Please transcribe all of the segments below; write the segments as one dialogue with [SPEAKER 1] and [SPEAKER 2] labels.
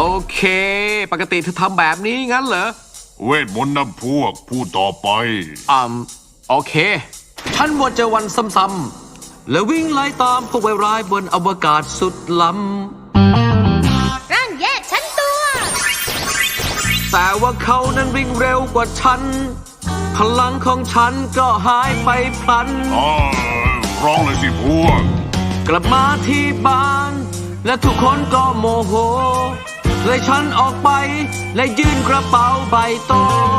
[SPEAKER 1] เคปกติเธอทำแบบนี้งั้นเหรอ
[SPEAKER 2] เวทมนต์นำพวกพูดต่อไป
[SPEAKER 1] โอเคฉันวนเจอวันซ้ำๆแล้ววิ่งไล่ตามพวกไวร้ายบนอวกาศสุดล้ำ
[SPEAKER 3] ร่างแยกฉันตัว
[SPEAKER 1] แต่ว่าเขานั้นวิ่งเร็วกว่าฉันพลังของฉันก็หายไปพลัน
[SPEAKER 2] ร้องเลยสิพวก
[SPEAKER 1] กลับมาที่บ้านและทุกคนก็โมโหเลยฉันออกไปและยื่นกระเป๋าใบโต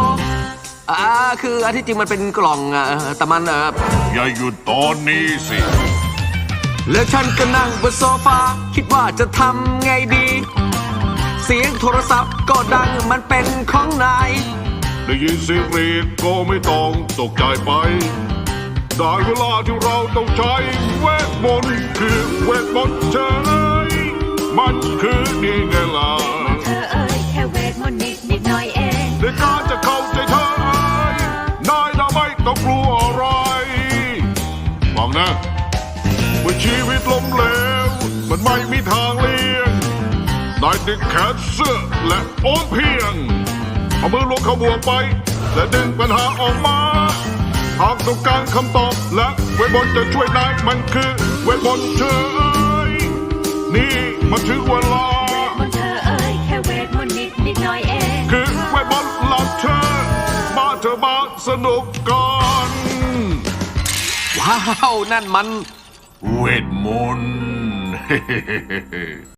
[SPEAKER 1] คือที่จริงมันเป็นกล่องแต่มัน
[SPEAKER 2] อย่าหยุดตอนนี้สิ
[SPEAKER 1] แล้วฉันก็นั่งบนโซฟาคิดว่าจะทำไงดีเสียงโทรศัพท์ก็ดังมันเป็นของนาย
[SPEAKER 2] ได้ยินเสียงเรียกก็ไม่ต้องตกใจไปได้เวลาที่เราต้องใช้เวทมนต์คือเวทมนต์ใช่มันคือนี่ไงล่ะ
[SPEAKER 3] เธอเอ้ยแค่เวทมนต์นิดหน่อยเอง
[SPEAKER 2] ในการจะเข้าใจเธอนายน่ะไม่ต้องกลัวอะไรฟังนะเมื่อชีวิตล้มเหลวมันไม่มีทางเลี่ยงนายดึงแขนเสื้อและโอนเพียงเอามือลงขบวกไปและดึงปัญหาออกมาหากต้องการคำตอบและเวทมนต์จะช่วยนายมันคือเวทมนต์เฉยนี่มันถึงเวลา
[SPEAKER 3] เธอเอ้ยแค่เวทมนต์นิดหน่อยเอง
[SPEAKER 2] คือเวทมนต์หลับเธอมาเธอมาสนุกกัน
[SPEAKER 1] ว้าวนั่นมัน
[SPEAKER 2] เวทมนต์